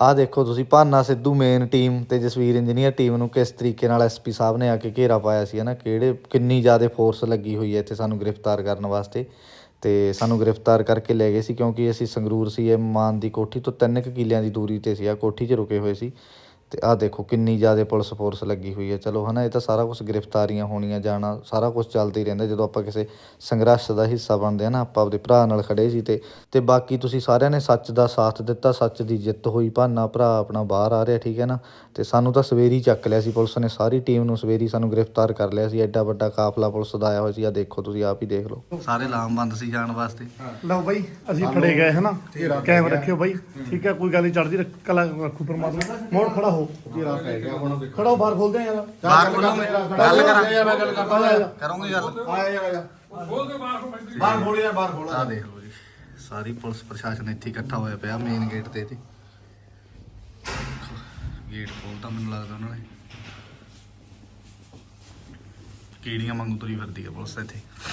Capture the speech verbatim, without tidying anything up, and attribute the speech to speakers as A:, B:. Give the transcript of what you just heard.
A: ਆਹ ਦੇਖੋ ਤੁਸੀਂ ਭਾਨਾ ਸਿੱਧੂ ਮੇਨ ਟੀਮ ਤੇ ਜਸਵੀਰ ਇੰਜੀਨੀਅਰ ਟੀਮ ਨੂੰ ਕਿਸ ਤਰੀਕੇ ਨਾਲ ਐਸਪੀ ਸਾਹਿਬ ਨੇ ਆ ਕੇ ਘੇਰਾ ਪਾਇਆ ਸੀ ਹੈ ਨਾ, ਕਿਹੜੇ ਕਿੰਨੀ ਜ਼ਿਆਦਾ ਫੋਰਸ ਲੱਗੀ ਹੋਈ ਹੈ ਇੱਥੇ ਸਾਨੂੰ ਗ੍ਰਿਫਤਾਰ ਕਰਨ ਵਾਸਤੇ। ਤੇ ਸਾਨੂੰ ਗ੍ਰਿਫਤਾਰ ਕਰਕੇ ਲੈ ਗਏ ਸੀ ਕਿਉਂਕਿ ਅਸੀਂ ਸੰਗਰੂਰ ਸੀ ਇਹ ਮਾਨ ਦੀ ਕੋਠੀ ਤੋਂ ਤਿੰਨ ਕੁ ਕਿੱਲਿਆਂ ਦੀ ਦੂਰੀ 'ਤੇ ਸੀ, ਆ ਕੋਠੀ 'ਚ ਰੁਕੇ ਹੋਏ ਸੀ। ਤੇ ਆਹ ਦੇਖੋ ਕਿੰਨੀ ਜ਼ਿਆਦਾ ਪੁਲਿਸ ਫੋਰਸ ਲੱਗੀ ਹੋਈ ਹੈ। ਚਲੋ ਹੈ ਨਾ, ਇਹ ਤਾਂ ਸਾਰਾ ਕੁਛ ਗ੍ਰਿਫਤਾਰੀਆਂ ਹੋਣੀਆਂ ਜਾਣਾ ਸਾਰਾ ਕੁਛ ਚੱਲਦਾ ਹੀ ਰਹਿੰਦਾ ਜਦੋਂ ਆਪਾਂ ਕਿਸੇ ਸੰਘਰਸ਼ ਦਾ ਹਿੱਸਾ ਬਣਦੇ ਹਾਂ ਨਾ। ਆਪਾਂ ਆਪਦੇ ਭਰਾ ਨਾਲ ਖੜ੍ਹੇ ਸੀ ਤੇ ਤੇ ਬਾਕੀ ਤੁਸੀਂ ਸਾਰਿਆਂ ਨੇ ਸੱਚ ਦਾ ਸਾਥ ਦਿੱਤਾ, ਸੱਚ ਦੀ ਜਿੱਤ ਹੋਈ। ਭਾਨਾ ਭਰਾ ਆਪਣਾ ਬਾਹਰ ਆ ਰਿਹਾ, ਠੀਕ ਹੈ ਨਾ। ਤੇ ਸਾਨੂੰ ਤਾਂ ਸਵੇਰੇ ਹੀ ਚੱਕ ਲਿਆ ਸੀ ਪੁਲਿਸ ਨੇ, ਸਾਰੀ ਟੀਮ ਨੂੰ ਸਵੇਰੇ ਹੀ ਸਾਨੂੰ ਗ੍ਰਿਫਤਾਰ ਕਰ ਲਿਆ ਸੀ। ਐਡਾ ਵੱਡਾ ਕਾਫਲਾ ਪੁਲਿਸ ਦਾ ਆਇਆ ਹੋਇਆ ਸੀ। ਆ ਦੇਖੋ ਤੁਸੀਂ ਆਪ ਹੀ ਦੇਖ ਲਓ, ਸਾਰੇ ਲਾਮਬੰਦ ਸੀ ਜਾਣ ਵਾਸਤੇ।
B: ਲਓ ਬਾਈ ਅਸੀਂ ਫੜੇ ਗਏ ਹਨਾ, ਕੈਮ ਰੱਖਿਓ ਬਾਈ, ਠੀਕ ਹੈ, ਕੋਈ ਗੱਲ ਨਹੀਂ, ਚੜ੍ਹਦੀ ਕਲਾ ਰੱਖੂ ਪਰਮਾਤਮਾ। ਮੋੜ ਖੜਾ ਹੋ, ਖੜਾ ਹੋ, ਬਾਹਰ ਖੋਲਦੇ ਆ ਯਾਰ,
A: ਬਾਹਰ ਖੋਲੋ, ਗੱਲ ਕਰਾਂ
B: ਯਾਰ, ਗੱਲ ਕਰਦਾ
A: ਕਰੋਗੇ ਗੱਲ,
B: ਆ ਜਾ ਖੋਲ ਕੇ ਬਾਹਰ ਬਾਹਰ ਖੋਲ ਯਾਰ, ਬਾਹਰ ਖੋਲ।
A: ਆ ਦੇਖ ਲਓ ਜੀ, ਸਾਰੀ ਪੁਲਿਸ ਪ੍ਰਸ਼ਾਸਨ ਇੱਥੇ ਇਕੱਠਾ ਹੋਇਆ ਪਿਆ ਮੇਨ ਗੇਟ ਤੇ। ਤੇ ਗੇਟ ਖੋਲ੍ਹਤਾ ਮੈਨੂੰ ਲੱਗਦਾ ਉਹਨਾਂ ਨੇ, ਕੀੜੀਆਂ ਵਾਂਗੂ ਤੁਰੀ ਫਿਰਦੀ ਆ ਪੁਲਿਸ ਇੱਥੇ।